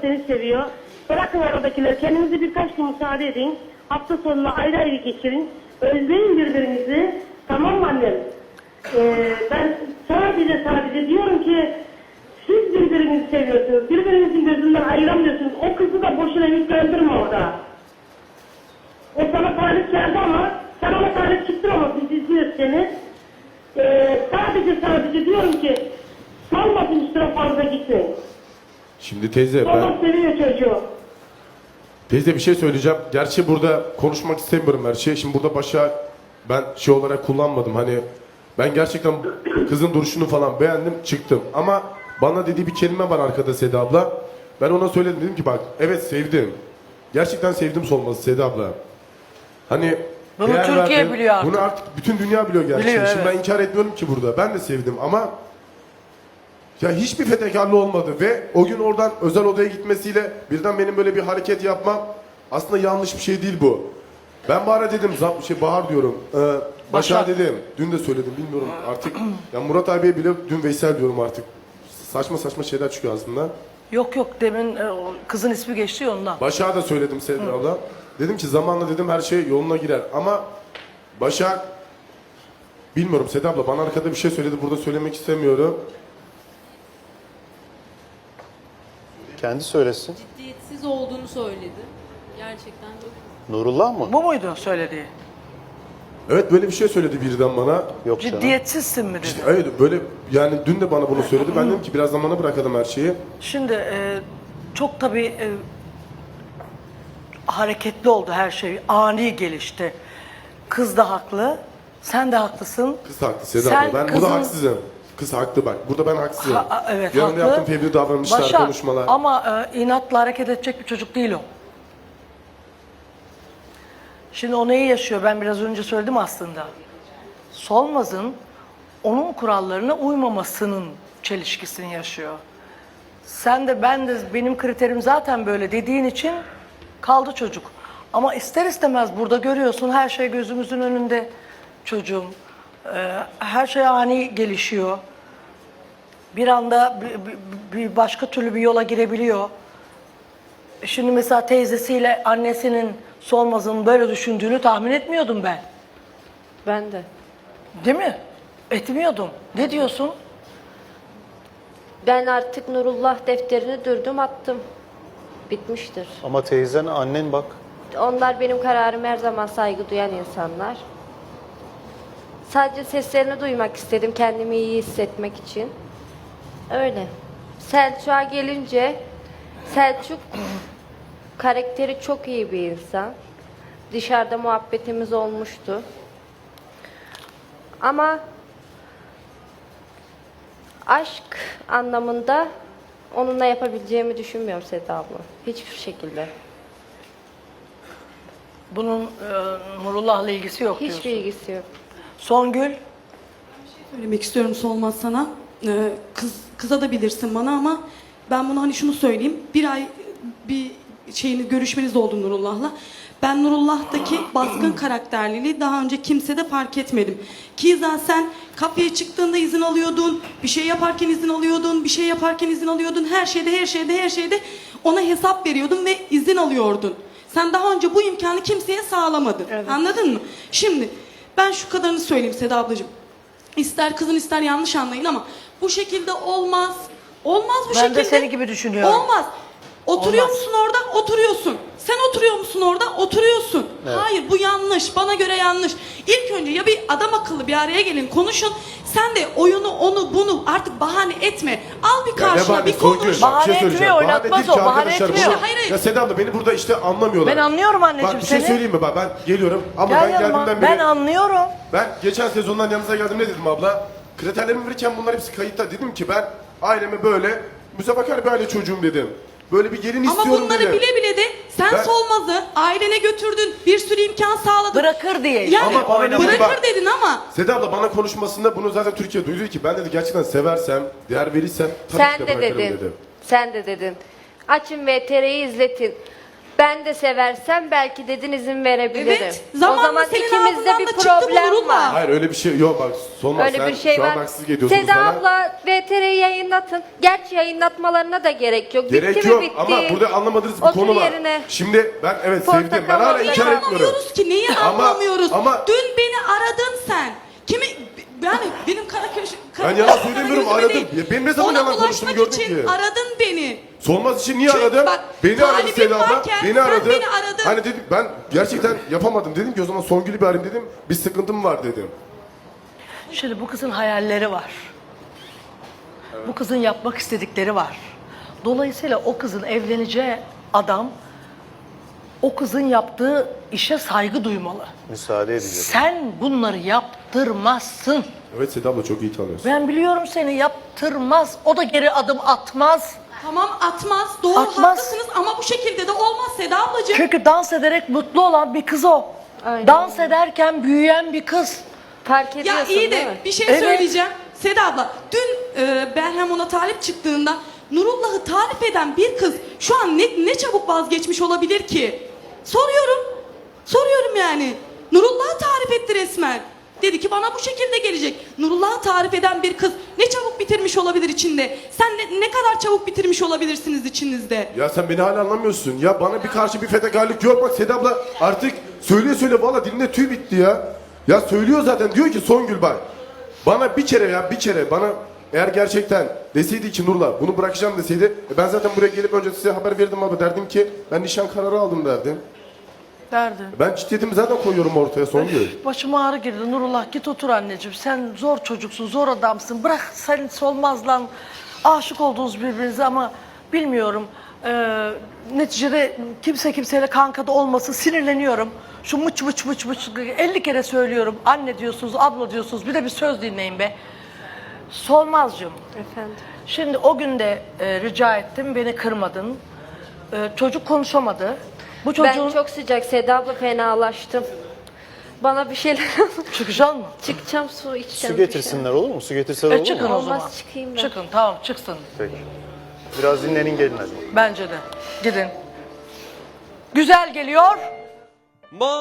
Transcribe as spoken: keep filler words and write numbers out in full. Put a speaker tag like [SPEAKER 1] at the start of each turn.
[SPEAKER 1] seni seviyor. Bırakın oradakileri. Kendinize birkaç gün müsaade edin. Hafta sonunu ayrı ayrı geçirin. Özleyin birbirinizi. Tamam mı annem? Ee, ben sadece sadece diyorum ki siz birbirinizi seviyorsunuz. Birbirinizin gözünden ayıramıyorsunuz. O kızı da boşuna yüklendirme orada. O sana talip geldi ama sen ona talip çıktın ama biz izliyoruz seni. Ee, sadece sadece diyorum ki salmasın üstüne fazla gitmeyin.
[SPEAKER 2] Şimdi teyze
[SPEAKER 1] Babam
[SPEAKER 2] ben...
[SPEAKER 1] seviyor çocuğu.
[SPEAKER 2] Teyze bir şey söyleyeceğim. Gerçi burada konuşmak istemiyorum her şeyi. Şimdi burada başa ben şey olarak kullanmadım. Hani ben gerçekten kızın duruşunu falan beğendim, çıktım. Ama bana dediği bir kelime var arkada Seda abla. Ben ona söyledim, dedim ki bak evet sevdim. Gerçekten sevdim Solmaz'ı Seda abla. Hani
[SPEAKER 3] Bunu
[SPEAKER 2] değer
[SPEAKER 3] Türkiye
[SPEAKER 2] verdim.
[SPEAKER 3] biliyor artık.
[SPEAKER 2] Bunu artık bütün dünya biliyor gerçi.
[SPEAKER 3] Biliyor,
[SPEAKER 2] Şimdi
[SPEAKER 3] evet.
[SPEAKER 2] ben inkar etmiyorum ki burada. Ben de sevdim ama ya hiçbir fedakarlığı olmadı ve o gün oradan özel odaya gitmesiyle birden benim böyle bir hareket yapmam aslında yanlış bir şey değil bu. Ben Bahar'a dedim, zam- şey Bahar diyorum, e, Başar
[SPEAKER 3] Başar.
[SPEAKER 2] dedim, dün de söyledim bilmiyorum artık. Ya Murat abiye bile dün Veysel diyorum artık. Saçma saçma şeyler çıkıyor aslında.
[SPEAKER 3] Yok yok demin e, o kızın ismi geçti ya ondan.
[SPEAKER 2] Başak'a da söyledim Seda abla. Dedim ki zamanla dedim her şey yoluna girer ama Başak bilmiyorum Seda abla bana arkada bir şey söyledi burada söylemek istemiyorum.
[SPEAKER 4] Kendi söylesin.
[SPEAKER 5] Ciddiyetsiz olduğunu söyledi. Gerçekten çok.
[SPEAKER 4] Nurullah mı?
[SPEAKER 3] Bu muydu söylediği?
[SPEAKER 2] Evet böyle bir şey söyledi birden bana.
[SPEAKER 4] Yok canım.
[SPEAKER 3] Ciddiyetsizsin mi dedi.
[SPEAKER 2] Evet böyle yani dün de bana bunu söyledi. Ben dedim ki biraz zamana bırakalım her şeyi.
[SPEAKER 3] Şimdi e, çok tabii e, hareketli oldu her şey. Ani gelişti. Kız da haklı. Sen de haklısın.
[SPEAKER 2] Kız haklı Seda
[SPEAKER 3] Sen
[SPEAKER 2] abla. Ben
[SPEAKER 3] kızın-
[SPEAKER 2] burada haksızım. Kız haklı bak. Burada ben haksızım.
[SPEAKER 3] Ha, a- evet
[SPEAKER 2] Yanında
[SPEAKER 3] haklı.
[SPEAKER 2] yaptığım fevri davranışlar,
[SPEAKER 3] Başak,
[SPEAKER 2] konuşmalar.
[SPEAKER 3] ama e, inatla hareket edecek bir çocuk değil o. Şimdi o neyi yaşıyor? Ben biraz önce söyledim aslında. Solmaz'ın onun kurallarına uymamasının çelişkisini yaşıyor. Sen de ben de benim kriterim zaten böyle dediğin için kaldı çocuk. Ama ister istemez burada görüyorsun her şey gözümüzün önünde çocuğum. Ee, her şey ani gelişiyor. Bir anda bir, bir- bir başka türlü bir yola girebiliyor. Şimdi mesela teyzesiyle annesinin Solmaz'ın böyle düşündüğünü tahmin etmiyordum ben.
[SPEAKER 6] Ben de.
[SPEAKER 3] Değil mi? Etmiyordum. Ne diyorsun?
[SPEAKER 6] Ben artık Nurullah defterini dürdüm attım. Bitmiştir.
[SPEAKER 4] Ama teyzen, annen bak.
[SPEAKER 6] Onlar benim kararıma her zaman saygı duyan insanlar. Sadece seslerini duymak istedim kendimi iyi hissetmek için. Öyle. Selçuk'a gelince Selçuk karakteri çok iyi bir insan. Dışarıda muhabbetimiz olmuştu. Ama aşk anlamında onunla yapabileceğimi düşünmüyorum Seda abla. Hiçbir şekilde.
[SPEAKER 3] Bunun e, Nurullah'la ilgisi yok
[SPEAKER 6] Hiçbir
[SPEAKER 3] diyorsun.
[SPEAKER 6] ilgisi yok.
[SPEAKER 3] Songül,
[SPEAKER 7] Söylemek istiyorum Solmaz sana. Ee, kız, kıza da bilirsin bana ama ben bunu hani şunu söyleyeyim. Bir ay bir şeyini görüşmeniz oldu Nurullah'la. Ben Nurullah'taki baskın karakterliliği daha önce kimsede fark etmedim. Ki zaten sen kafeye çıktığında izin alıyordun, bir şey yaparken izin alıyordun, bir şey yaparken izin alıyordun. Her şeyde, her şeyde, her şeyde ona hesap veriyordun ve izin alıyordun. Sen daha önce bu imkanı kimseye sağlamadın.
[SPEAKER 6] Evet.
[SPEAKER 7] Anladın mı? Şimdi ben şu kadarını söyleyeyim Seda ablacığım. İster kızın ister yanlış anlayın ama bu şekilde olmaz. Olmaz bu
[SPEAKER 3] ben
[SPEAKER 7] şekilde.
[SPEAKER 3] de seni gibi düşünüyorum.
[SPEAKER 7] Olmaz. Oturuyor
[SPEAKER 3] Olmaz.
[SPEAKER 7] musun orada? Oturuyorsun. Sen oturuyor musun orada? Oturuyorsun.
[SPEAKER 4] Evet.
[SPEAKER 7] Hayır bu yanlış. Bana göre yanlış. İlk önce ya bir adam akıllı bir araya gelin konuşun. Sen de oyunu onu bunu artık bahane etme. Al bir
[SPEAKER 2] Ya
[SPEAKER 7] karşına
[SPEAKER 2] bahane,
[SPEAKER 7] bir
[SPEAKER 2] Songül,
[SPEAKER 7] konuş.
[SPEAKER 2] bak, bir
[SPEAKER 3] Bahane
[SPEAKER 2] şey söyleyeceğim.
[SPEAKER 3] etmiyor,
[SPEAKER 2] Bahane
[SPEAKER 3] oynatmaz
[SPEAKER 2] değil
[SPEAKER 3] o,
[SPEAKER 2] ki
[SPEAKER 3] bahane
[SPEAKER 2] arkadaşlar.
[SPEAKER 3] etmiyor.
[SPEAKER 2] Bunu-
[SPEAKER 7] Hayır, hayır.
[SPEAKER 2] Ya Seda abla beni burada işte anlamıyorlar.
[SPEAKER 3] Ben anlıyorum anneciğim
[SPEAKER 2] Bak bir şey
[SPEAKER 3] seni.
[SPEAKER 2] söyleyeyim mi? Bak ben geliyorum ama
[SPEAKER 3] Gel
[SPEAKER 2] ben
[SPEAKER 3] yanıma.
[SPEAKER 2] geldiğimden
[SPEAKER 3] Ben
[SPEAKER 2] beri...
[SPEAKER 3] anlıyorum.
[SPEAKER 2] Ben geçen sezondan yanınıza geldim ne dedim abla? Kriterlerimi verirken bunlar hepsi kayıtta. Dedim ki ben aileme böyle müzefakar bir aile çocuğum dedim. Böyle bir gelin
[SPEAKER 7] Ama
[SPEAKER 2] istiyorum
[SPEAKER 7] bunları
[SPEAKER 2] dedim.
[SPEAKER 7] bile bile de sen
[SPEAKER 2] Ben-
[SPEAKER 7] Solmaz'ı ailene götürdün. Bir sürü imkan sağladın.
[SPEAKER 3] Bırakır diye.
[SPEAKER 7] Yani
[SPEAKER 2] Ama bana
[SPEAKER 7] bırakır
[SPEAKER 2] bak-
[SPEAKER 7] dedin ama
[SPEAKER 2] Seda abla bana konuşmasında bunu zaten Türkiye duydu ki ben dedi gerçekten seversem, değer verirsem tabii
[SPEAKER 6] Sen
[SPEAKER 2] ki de
[SPEAKER 6] de
[SPEAKER 2] bırakırım
[SPEAKER 6] dedin.
[SPEAKER 2] dedi.
[SPEAKER 6] Sen de dedin. Açın V T R'yi izletin. Ben de seversem belki dedin izin verebilirim.
[SPEAKER 7] Evet, zamanla
[SPEAKER 6] o zaman
[SPEAKER 7] senin
[SPEAKER 6] ikimizde
[SPEAKER 7] ağzından
[SPEAKER 6] bir
[SPEAKER 7] da çıktı bu
[SPEAKER 6] problem
[SPEAKER 7] Nurullah.
[SPEAKER 6] var.
[SPEAKER 2] Hayır öyle bir şey yok bak Solmaz
[SPEAKER 6] Öyle
[SPEAKER 2] sen
[SPEAKER 6] bir şey
[SPEAKER 2] şu
[SPEAKER 6] var.
[SPEAKER 2] an haksızlık ediyorsunuz
[SPEAKER 6] Seda
[SPEAKER 2] bana.
[SPEAKER 6] abla V T R'yi yayınlatın. Gerçi yayınlatmalarına da gerek yok.
[SPEAKER 2] Gerek
[SPEAKER 6] bitti
[SPEAKER 2] yok
[SPEAKER 6] mi bitti.
[SPEAKER 2] ama burada anlamadığınız bir
[SPEAKER 6] Otur
[SPEAKER 2] konu var.
[SPEAKER 6] yerine.
[SPEAKER 2] Şimdi ben evet
[SPEAKER 6] Portakal
[SPEAKER 2] sevdim ben hala
[SPEAKER 6] var.
[SPEAKER 2] inkar
[SPEAKER 7] Neyi
[SPEAKER 2] etmiyorum.
[SPEAKER 7] anlamıyoruz ki? Neyi
[SPEAKER 2] Ama-
[SPEAKER 7] anlamıyoruz?
[SPEAKER 2] ama-
[SPEAKER 7] Dün beni aradın sen. Kimi yani benim kara köşe kara
[SPEAKER 2] Ben yalan
[SPEAKER 7] kara
[SPEAKER 2] söylemiyorum,
[SPEAKER 7] yüzüme
[SPEAKER 2] aradım.
[SPEAKER 7] değil.
[SPEAKER 2] Ya benim ne zaman
[SPEAKER 7] Ona
[SPEAKER 2] yalan konuştuğumu
[SPEAKER 7] ulaşmak
[SPEAKER 2] gördün
[SPEAKER 7] için
[SPEAKER 2] ki?
[SPEAKER 7] aradın beni.
[SPEAKER 2] Solmaz için niye
[SPEAKER 7] Çünkü
[SPEAKER 2] aradım?
[SPEAKER 7] bak,
[SPEAKER 2] Beni aradı
[SPEAKER 7] talibim
[SPEAKER 2] Seda abla.
[SPEAKER 7] varken
[SPEAKER 2] Beni
[SPEAKER 7] sen
[SPEAKER 2] aradı.
[SPEAKER 7] beni aradın.
[SPEAKER 2] Hani dedim ben gerçekten yapamadım dedim ki o zaman Songül'ü bir arayayım dedim. Bir sıkıntım var dedim.
[SPEAKER 3] Şimdi bu kızın hayalleri var. Bu kızın yapmak istedikleri var. Dolayısıyla o kızın evleneceği adam o kızın yaptığı işe saygı duymalı.
[SPEAKER 4] Müsaade edeceğim.
[SPEAKER 3] Sen bunları yaptırmazsın.
[SPEAKER 2] Evet Seda abla çok iyi tanıyorsun.
[SPEAKER 3] Ben biliyorum seni yaptırmaz. O da geri adım atmaz.
[SPEAKER 7] Tamam atmaz. Doğru
[SPEAKER 3] Atmaz.
[SPEAKER 7] haklısınız ama bu şekilde de olmaz Seda ablacığım.
[SPEAKER 3] Çünkü dans ederek mutlu olan bir kız o.
[SPEAKER 6] Aynen.
[SPEAKER 3] Dans ederken büyüyen bir kız.
[SPEAKER 6] Fark ediyorsun
[SPEAKER 7] Ya iyi
[SPEAKER 6] değil
[SPEAKER 7] de
[SPEAKER 6] mi?
[SPEAKER 7] bir şey
[SPEAKER 3] Evet.
[SPEAKER 7] söyleyeceğim. Seda abla dün e, Berhem ona talip çıktığında Nurullah'ı tarif eden bir kız şu an ne, ne çabuk vazgeçmiş olabilir ki? Soruyorum. Soruyorum yani. Nurullah'ı tarif etti resmen. Dedi ki bana bu şekilde gelecek. Nurullah'ı tarif eden bir kız ne çabuk bitirmiş olabilir içinde? Sen ne, ne kadar çabuk bitirmiş olabilirsiniz içinizde?
[SPEAKER 2] Ya sen beni hala anlamıyorsun. Ya bana bir karşı bir fedakarlık yok. Bak Seda abla artık söyleye söyle valla dilinde tüy bitti ya. Ya söylüyor zaten diyor ki Songül bak. Bana bir kere ya bir kere bana eğer gerçekten deseydi ki Nurla bunu bırakacağım deseydi e ben zaten buraya gelip önce size haber verdim abi derdim ki ben nişan kararı aldım derdim.
[SPEAKER 3] Derdi.
[SPEAKER 2] Ben ciddiyetimi zaten koyuyorum ortaya Songül.
[SPEAKER 3] Başıma ağrı girdi. Nurullah git otur anneciğim. Sen zor çocuksun, zor adamsın. Bırak sen Solmaz lan. Aşık oldunuz birbirinize ama bilmiyorum. Ee, neticede kimse kimseyle kankada olması sinirleniyorum. Şu mıç mıç mıç mıç elli kere söylüyorum. Anne diyorsunuz, abla diyorsunuz. Bir de bir söz dinleyin be. Solmazcığım.
[SPEAKER 6] Efendim.
[SPEAKER 3] Şimdi o gün de e, rica ettim. Beni kırmadın. E, çocuk konuşamadı. Bu çocuğun...
[SPEAKER 6] Ben çok sıcak Seda abla fenalaştım. Bana bir şeyler
[SPEAKER 3] Çıkacaksın mı?
[SPEAKER 6] çıkacağım su içeceğim.
[SPEAKER 4] Su getirsinler olur mu? Su getirseler
[SPEAKER 3] E
[SPEAKER 4] olur
[SPEAKER 3] çıkın
[SPEAKER 4] mu?
[SPEAKER 3] o zaman.
[SPEAKER 6] Olmaz, çıkayım ben.
[SPEAKER 3] Çıkın tamam çıksın.
[SPEAKER 4] Peki. Biraz dinlenin gelin hadi.
[SPEAKER 3] Bence de. Gidin. Güzel geliyor.